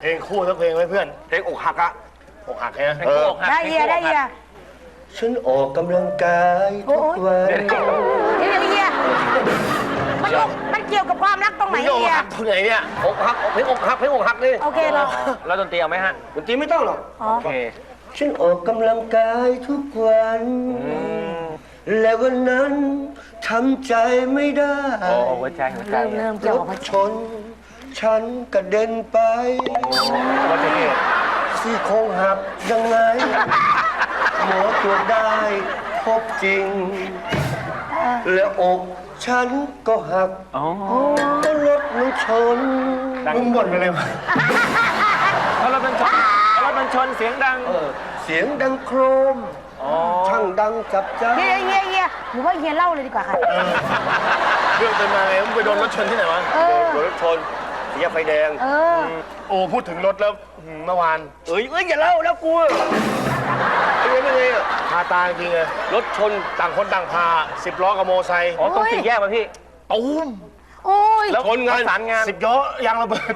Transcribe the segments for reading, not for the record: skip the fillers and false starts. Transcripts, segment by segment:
ลงคู่สักเพลงไหมเพื่อนเพลงอกหักอะอกหักใช่ไหมได้เฮียได้เฮียฉันออกกำลังกายทุกวันเฮียมันเกี่ยวกับความรักตรงไหนมึงอกเฮียหักตรงไหนเนี่ยอกหักเพลงอกหักเพลงอกหักนี่โอเคเหรอแล้วดนตรีเอาไหมฮะดนตรีไม่ต้องหรอกอ๋อโอเคฉันออกกำลังกายทุกวัน และวันนั้นทำใจไม่ได้โอ้หัวใจเริ่มรเกี่ยวถกับชน ฉันกระเด็นไปอุบัติเหตุซี่โครงหักยังไง หมอตรวจได้พบจริง และอกฉันก็หักอ๋อก็รถมันชนมึงบ่นไปเลยวะเพราะรถมันชนเสียงดังเสียงดังโครมอ๋อช่างดังจับใจเฮียหรือว่าเฮียเล่าเลยดีกว่าค่ะเรื่องเป็นมาไงมึงไปโดนรถชนที่ไหนวะโดนรถชนสี่แยกไฟแดงโอ้พูดถึงรถแล้วเมื่อวานเอ้ยอย่าเล่าแล้วกูเป็นไงอ่ะพาตาจริงเลยรถชนต่างคนต่างพา10 ล้อกับโมไซค์อ๋อตรงสี่แยกป่ะพี่ตูมโอ้ยแล้วชนงานประสานงาน 10 ล้อยางระเบิด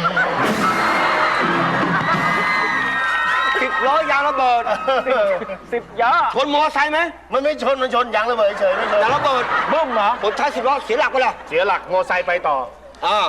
10 ล้อยางระเบิด 10ยอชนมอไซค์ไหมมันไม่ชนมันชนยางระเบิดเฉยไม่ชนยางระเบิดบึ้มเหรอคนท้าย10 ล้อเสียหลักไปละเสียหลักโมไซค์ไปต่อเอ้า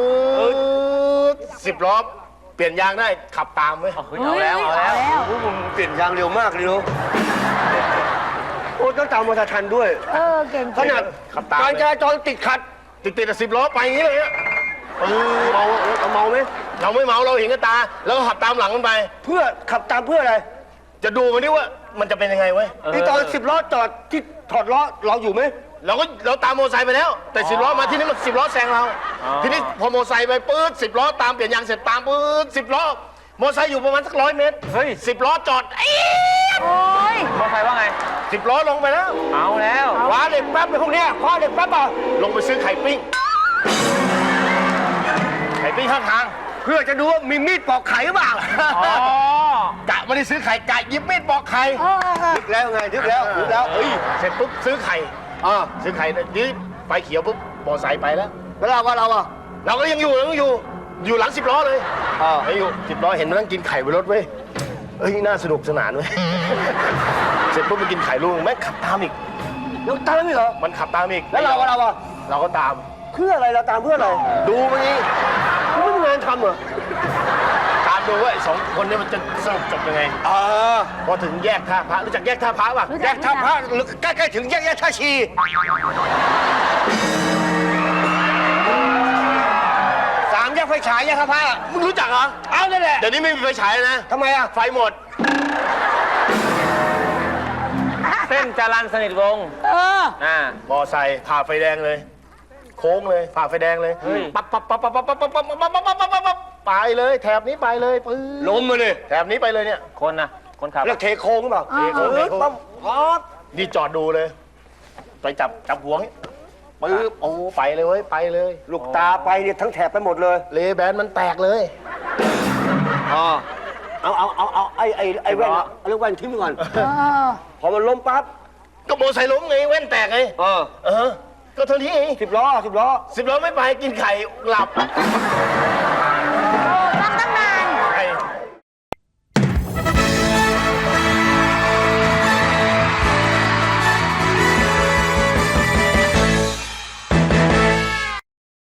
10 ล้อเปลี่ยนยางได้ขับตามไหมเอาแล้วโอ้มึงเปลี่ยนยางเร็วมากเลยเนาะโอ้ต้องตามมอเตอร์ทันด้วยเก่งขนาดขับตามการจราจรติดขัดติด10 ล้อไปอย่างนี้เลยอะเมาเราเมาไหมเราไม่เมาเราเห็นกับตา แล้วก็ขับตามหลังมันไปเพื่อขับตามเพื่ออะไรจะดูมันดิว่ามันจะเป็นยังไงเว้ยนี่ตอน10 ล้อจอดที่ถอดล้อเราอยู่ไหมเราตามโมอไซค์ไปแล้ว แต่10 ล้อมาที่นี่มัน10 ล้อแซงเรา ทีนี้พอโมอไซค์ไปปื๊ด10 ล้อตามเปลี่ยนยางเสร็จตามปื๊ด10 ล้อโมอไซค์อยู่ประมาณสัก100 เมตรเฮ้ย 10 ล้อจอดเอ๊ะโอ้ยมอไซค์ว่าไง 10 ล้อลงไปแล้วเอาแล้วคว้าเหล็กแป๊บในพวกเนี้ยคว้าเหล็กแป๊บเปล่าลงไปซื้อไข่ปิ้งข้างทางเพื่อจะดูว่ามีมีดปอกไข่หรือเปล่าอ๋อกะไม่ได้ซื้อไข่กะหยิบมีดปอกไข่นึกแล้วไงนึกแล้วเฮ้ยเสร็จปุ๊บซื้อไข่ ซื้อไข่นี่ไฟเขียวปุ๊บมอไซค์ไปแล้วแล้วเราว่าเราอ่ะเราก็ยังอยู่หลัง10 ล้อเลยยังอยู่10 ล้อเห็นมันนั่งกินไข่บนรถเว้ยเอ้ยน่าสนุกสนานเว้ย เสร็จปุ๊บมันกินไข่ลูกแม่งขับตามอีกยังตามไม่เหรอมันขับตามอีกแล้วเราว่าเราอ่ะเราก็ตามเพื่ออะไรเราตามเพื่ออะไรดูมันนี้ไม่มีงานทำเหรอตามดูว่าไอ้2 คนนี้มันจะสรุปจบยังไงพอถึงแยกท่าพระรู้จักแยกท่าพระป่ะแยกท่าพระใกล้ๆถึงแยกท่าชี3 แยกไฟฉายแยกท่าพระมึงรู้จักเหรอเอานั่นแหละเดี๋ยวนี้ไม่มีไฟฉายแล้วนะทำไมอ่ะไฟหมดเส้นจรัญสนิทวงศ์มอไซค์ผ่าไฟแดงเลย โค้งเลยผ่าไฟแดงเลยเฮ้ยปั๊บไปเลยแถบนี้ไปเลยปื้ล้มมาเลยแถบนี้ไปเลยเนี่ยคนขับแล้วเทโค้งหรือเปล่าเทโค้งปั๊บปั๊บนี่จอดดูเลย ไปจับหัวงี้ปื๊บโอ้ไปเลยเว้ยไปเลยลูกตาไปเนี่ยทั้งแถบไปหมดเลยเลแบนมันแตกเลยเอาไอ้แว่นเอาเรื่องแว่นทิ้งไปก่อน พอมันล้มปั๊บก็โมอไซค์ล้มไงแว่นแตกไงก็เท่านี้เอง 10 ล้อ 10 ล้อไม่ไปกินไข่หลับฟังตั้งนาน